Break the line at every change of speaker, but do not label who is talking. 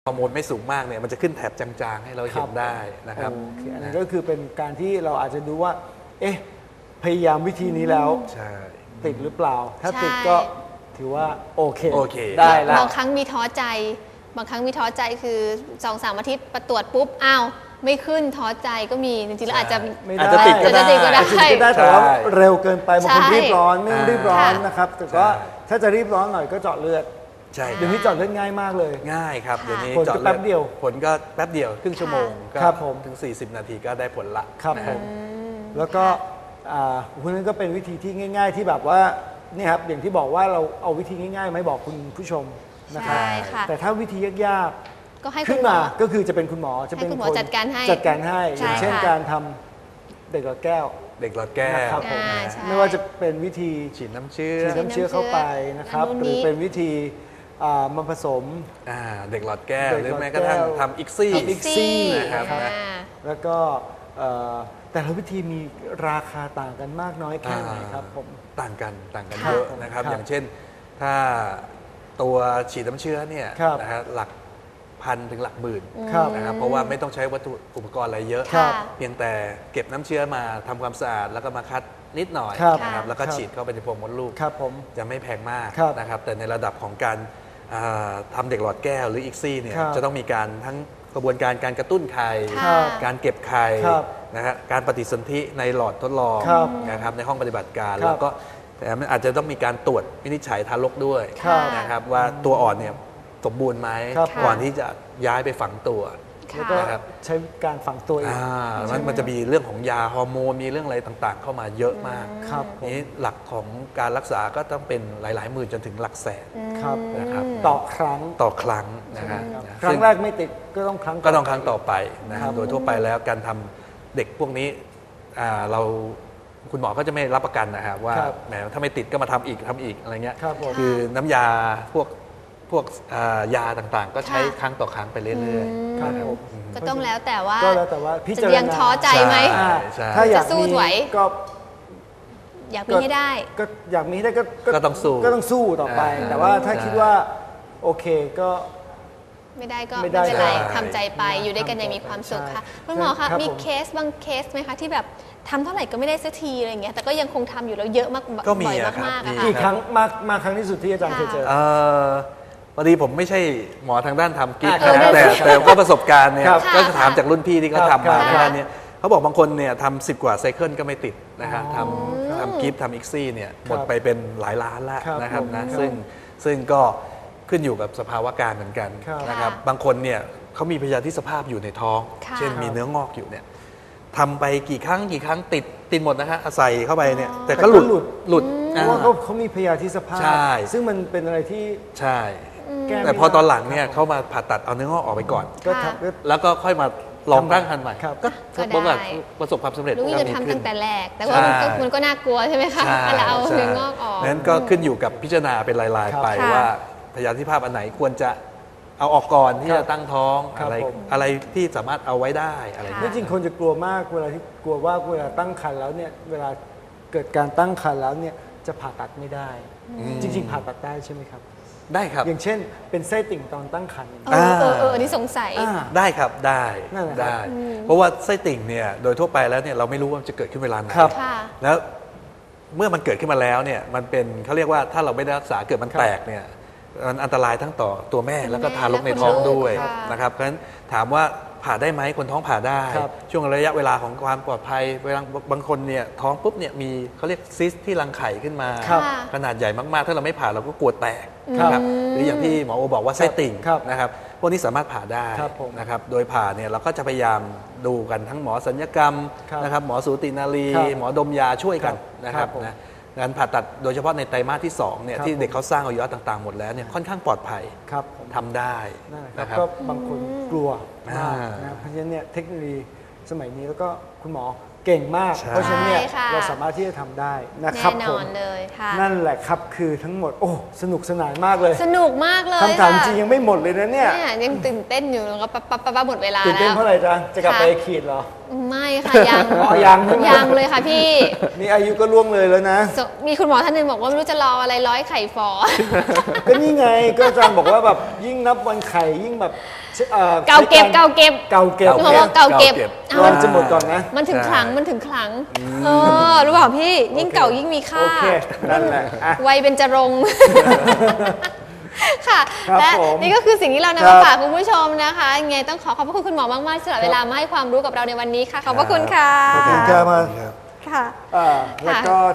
ฮอร์โมนไม่สูงมากเนี่ยมันจะขึ้นแถบจางๆให้เราเห็นได้นะครับ
โอเคอันนั้นก็คือเป็นการที่เราอาจจะดูว่า เอ๊ะ พยายามวิธีนี้แล้ว
ใช่
ติดหรือเปล่า ถ้า
ใช่
ติดก็ถือว่าโอเค
โอเค
ได้แล้ว
บางครั้งมีท้อใจ บางครั้งมีท้อใจคือ2-3 อาทิตย์ประตรวจปุ๊บอ้าวไม่ขึ้นท้อใจก็มีจริงๆแล้วอาจจะ
ไม่
อาจ
ได้
จะติดก็ได้
อาจจะติดก็ได้
อาจจะติดก็ได้แต่ว่า
ใช่
เร็วเกินไปบางคน
ใช่
รีบร้อนไม่ต้องรีบร้อน
ค่ะ
นะครับ แต่ก็
ใช่
ถ้าจะรีบร้อนหน่อยก็เจาะเลือด
ใช่
เดี๋ยวนี้เจาะเลือดง่ายมากเลย
ง่ายครับ
ค่ะ
เดี๋ยวนี้
ผลก็
จาะลือ
แป๊บเดียว
ผลก็แป๊บเดียวครึ่งชั่วโมงก็
ครับผม
ถึง 40 นาทีก็ได้ผลละ
ครับ
นะ
ผ
ฮะ
มแล้วก็คุณนั้นก็เป็นวิธีที่ง่าย ๆ ที่แบบว่านี่ครับอย่างที่บอกว่าเราเอาวิธีง่ายๆมาให้บอกคุณผู้ชมนะครับ
ใช่ค่ะ
แต่ถ้าวิธียาก
ก็ให้
ๆ
คุ
ขึ้
ณ
น
หม
มา
อ
ก็คือจะเป็นคุณหมอจะเป็น
ให้คุณหมอ
คน
จัดการให้
จัดการให้
ใช่
อย่างเช่น
ค่ะ
การทำเด็กหลอดแก้ว
เด็กหลอดแก้ว
นะครับผม
ใช่
ไม่ว่าจะเป็นวิธี
ฉีดน้ำเชื้อ
ฉีดน้ำเชื้อเข้าไปนะครับ
อัน
ห
นู้น
รือ
นี้
เป็นวิธีมาผสม
เด็กหลอดแก้ว
เด็ก
หรือ
หลอด
แม้กระทั่ง
แก้ว
ทำอิกซี่
ทำ ICSI
นะครับ
อ่า
แล้วก็แต่ละวิธีมีราคาต่างกันมากน้อยแค่ไหนครับผม
ต่างกัน
ครับ
เยอะนะครับ
ครับ
อย่างเช่น ถ้าตัวฉีดน้ำเชื้อเนี่ย
ครับ
นะฮะหลักพันถึงหลักหมื่น
ครับ
นะครับเพราะว่าไม่ต้องใช้วัตถุอุปกรณ์อะไรเยอะ
ครับ
เพียงแต่เก็บน้ำเชื้อมาทำความสะอาดแล้วก็มาคัดนิดหน่อย
ครับ
นะครับแล้วก็
ครับ
ฉีดเข้าไปในโพรงมดลูก
ครับผม
จะไม่แพงมาก
ครับ
นะครับแต่ในระดับของการทำเด็กหลอดแก้วหรืออีกซี่เนี่ย
ครับ
จะต้องมีการทั้งกระบวนการการกระตุ้นไข่
ค่ะ
การเก็บไข่
ครับ
นะฮะการปฏิสนธิในหลอดทดลอง
ครับ
นะครับในห้องปฏิบัติการ
ครับ
แล้วก็แต่มันอาจจะต้องมีการตรวจวินิจฉัยทารกด้วย
ครับ
นะครับว่าตัวอ่อนเนี่ยสมบูรณ์ไหม
ครับ
ก่อนที่จะย้ายไปฝังตัว
แล้วก็
นะครับ
ใช้การฝังตัวเอง
มันจะมีเรื่องของยาฮอร์โมนมีเรื่องอะไรต่างๆ เข้ามาเยอะมาก
ครับผม
นี้หลักของการรักษาก็ต้องเป็นหลายๆหมื่นจนถึงหลักแสน
ครับ
นะครับ
ต่อครั้ง
ต่อครั้งนะฮะ
ครับ
นะ
ครั้
ซึ่
งแรกไม่ติดก็ต้องครั้ง
ก็ต้องครั้งต่อไปนะค
ครั
รับบ โดยทั่วไปแล้วการทำเด็กพวกนี้เราคุณหมอก็จะไม่รับประกันนะครับว่า
ครับ
แหมถ้าไม่ติดก็มาทำอีกอะไรเงี้ย
ครับผม
คือน้ำยาพวกยาต่างๆ ก็ใช้ครั้งต่อครั้งไปเรื่อยๆ
ครับ
นะ
ผม
ก็ต้องแล้วแต่ว่า
ก็แล้วแต่ว่าพิจาร
จะ
ณา
ยังท้อใจไหม
ใช่
อ่าถ้าอยาก
จะสู้
มี
ไหว
ก็
อยากมีให้ได้
ก็อยากมีให้ได้
ก็ต้องสู้
ก็ต้องสู้ต่อไป แต่ว่าถ้าคิดว่าโอเคก็
ไม่ได้ก็
ไม่
ไม่
ได้
เป็นไร
ใช่
ทำใจไปอยู่ด้วยกันอย่างมีความสุขค่ะ
ใช่
คุณหมอคะ
ครับ
มี
ผม
เคสบางเคสไหมคะที่แบบทำเท่าไหร่ก็ไม่ได้สักทีอะไรอย่างเงี้ยแต่ก็ยังคงทำอยู่แล้วเยอะมาก
ก็มี
บ่อย
อะครับ
มากๆ
มี
อะค่ะ
กี่ครั้งมาครั้งที่สุดที่อาจารย์เคยเจอ
พอดีผมไม่ใช่หมอทางด้านทำกิ๊ก
ครับ
นะแต่ก็ประสบการณ์เนี่ย
ครับ
ก็จะถามจากรุ่นพี่ที่เขา
ครับ
ทำมา
ครับ
ในด้านเนี้ยเขาบอกบางคนเนี่ยทำ10 กว่าไซเคิลก็ไม่ติดนะฮะทำกิฟต์ทำอิกซี่เนี่ยหมดไปเป็นหลายล้านแล้ว
ครับ
นะครับ
ผม
นะครับ ซึ่งก็ขึ้นอยู่กับสภาวะการเหมือนกัน
ครับ
นะครับ
ค่ะ
บางคนเนี่ยเขามีพยาธิสภาพอยู่ในท้อง
ค่ะ
เช่นมีเนื้องอกอยู่เนี่ยทำไปกี่ครั้งติดหมดนะฮะใส่เข้าไปเนี่ยแต่ก็หลุด
เพราะว่าเขามีพยาธิสภาพ
ใช่
ซึ่งมันเป็นอะไรที่
ใช่
แก้ไม่
แต่พอตอนหลัง
ได้
เนี่ยเขามาผ่าตัดเอาเนื้องอกออกไปก่อน
ก็
ค่ะ
ทำก็
แล้วก็ค่อยมาลองตั้งครรภ์ใหม่
ครับ
ก็
ก็ได้
พบว่าประสบความสำเร็จ
รู้
ก็
จะ
มี
ทำ
ขึ้
ตั้
น
งแต่แรก แต่ว่ามันก็น่ากลัวใช่ไหมคะ
ใช่
เวลาเอา
ใช่
เนื้องอกออก
นั้นก็ขึ้นอยู่กับพิจารณาเป็นราย
ครับ
ๆไป
ค่ะ
ว่าพยาธิภาพอันไหนควรจะเอาออกก่อนที่
ครับ
จะตั้งท้อง
ครับ
อะไร
ผม
อะไรที่สามารถเอาไว้ได้อะไร
ค่ะ
เงี้
นี่
ย
จริงคนจะกลัวมากเวลาที่กลัวว่าเวลาตั้งครรภ์แล้วเนี่ยเวลาเกิดการตั้งครรภ์แล้วเนี่ยจะผ่าตัดไม่ได้ จริง ๆ ผ่าตัดได้ใช่ไหมครับ
ได้ครับ
อย่างเช่นเป็นไส้ติ่งตอนตั้งครรภ์
อันนี้สงสัย
ได้ครับได้
นั่นแหละครับ
ได้ เพราะว่าไส้ติ่งเนี่ยโดยทั่วไปแล้วเนี่ยเราไม่รู้ว่ามันจะเกิดขึ้นเวลาไหน
ครับ
ค่ะ
แล้วเมื่อมันเกิดขึ้นมาแล้วเนี่ยมันเป็นเขาเรียกว่าถ้าเราไม่ได้รักษาเกิดมัน
ครับ
แตกเนี่ยมันอันตรายทั้งต่อตัวแม่แล้วก็
แม่
ทารกใน
และคน
ท้อง
ลูก
ด้วย
ค่ะ
นะครับเพราะฉะนั้นถามว่าผ่าได้ไหมคนท้องผ่าได้
ครับ
ช่วงระยะเวลาของความปลอดภัยเวลาบางคนเนี่ยท้องปุ๊บเนี่ยมีเขาเรียกซิสที่รังไข่ขึ้นมา
ครับ
ขนาดใหญ่มากๆ ถ้าเราไม่ผ่าเราก็กลัวแตก
ครับ
นะครับหรืออย่างที่หมอโอบอกว่าไส้ติ่ง
ครับ
นะครับพวกนี้สามารถผ่าได้
ครับผม
นะครับโดยผ่าเนี่ยเราก็จะพยายามดูกันทั้งหมอศัลยกรรม
ครับ
นะครับหมอสูตินารี
ครับ
หมอดมยาช่วยกัน
ครับ
นะครับ
ผม
นะการผ่าตัดโดยเฉพาะในไตรมาสที่2เนี่ย
ครับ
ที่เด็ก
ผม
เขาสร้างอวัยวะต่างๆหมดแล้วเนี่ยค่อนข้างปลอดภัย
ครับผม
ทำได้
นั่นแหละค
นะค
รั
รั
บบ ก็บางคนกลัวมาก
อ่าน
นะเพราะฉะนั้นเนี่ยเทคโนโลยีสมัยนี้แล้วก็คุณหมอเก่งมาก
ใช่
เพราะฉะนั้นเนี่ย
ใช่ค่ะ
เราสามารถที่จะทำได้นะ
แน่
ครับ
น
ผ
อ
ม
นเลยค่ะ
นั่นแหละครับคือทั้งหมดโอ้สนุกสนานมากเลย
สนุกมากเลย
คำถาม
ค่ะ
จริงยังไม่หมดเลยนะเนี่ย
เนี่ยยังตื่นเต้นอยู่แล้วก็ปั๊บหมดเวลา
ตื่นเต้น
แล้ว
เพราะอะไรจ๊ะจะกลับ
ค่ะ
ไปขีดเหรอ
ไม่ค่ะยัง
อ๋อยังใช่ไหม
ยังเลยค่ะพี่
นี่อายุก็ล่วงเลยแล้วนะ
มีคุณหมอท่านหนึ่งบอกว่าไม่รู้จะรออะไรร้อยไข่ฟอ
ก็นี่ไงก็อาจารย์บอกว่าแบบยิ่งนับวันไข่ยิ่งแบบช
เก่าเก็บเก่าเก็บ
เก่าเก็บ
พี่หมอบอกเก่าเก็บ
เก่าเก็บ
อ้าว
วันจะหมดก่อนนะ
มันถึง
ใช่
ขลังมันถึงขลังรู้เปล่าพี่ยิ่งเก่ายิ่งมีค่า
โอเคนั่นแหละอ่ะ
วัยเบญจรงค์ ค่ะ
ครับ
และ
ผม
นี่ก็คือสิ่งที่เรา
ครั
นำมา
บ
ฝากคุณผู้ชมนะคะยังไงต้องขอบพระคุณคุณหมอมากๆสำหรับเวลามาให้ความรู้กับเราในวันนี้ค่ะขอบพระคุณค่ะ
ขอบคุณครับ
ค่ะ
แล้วก็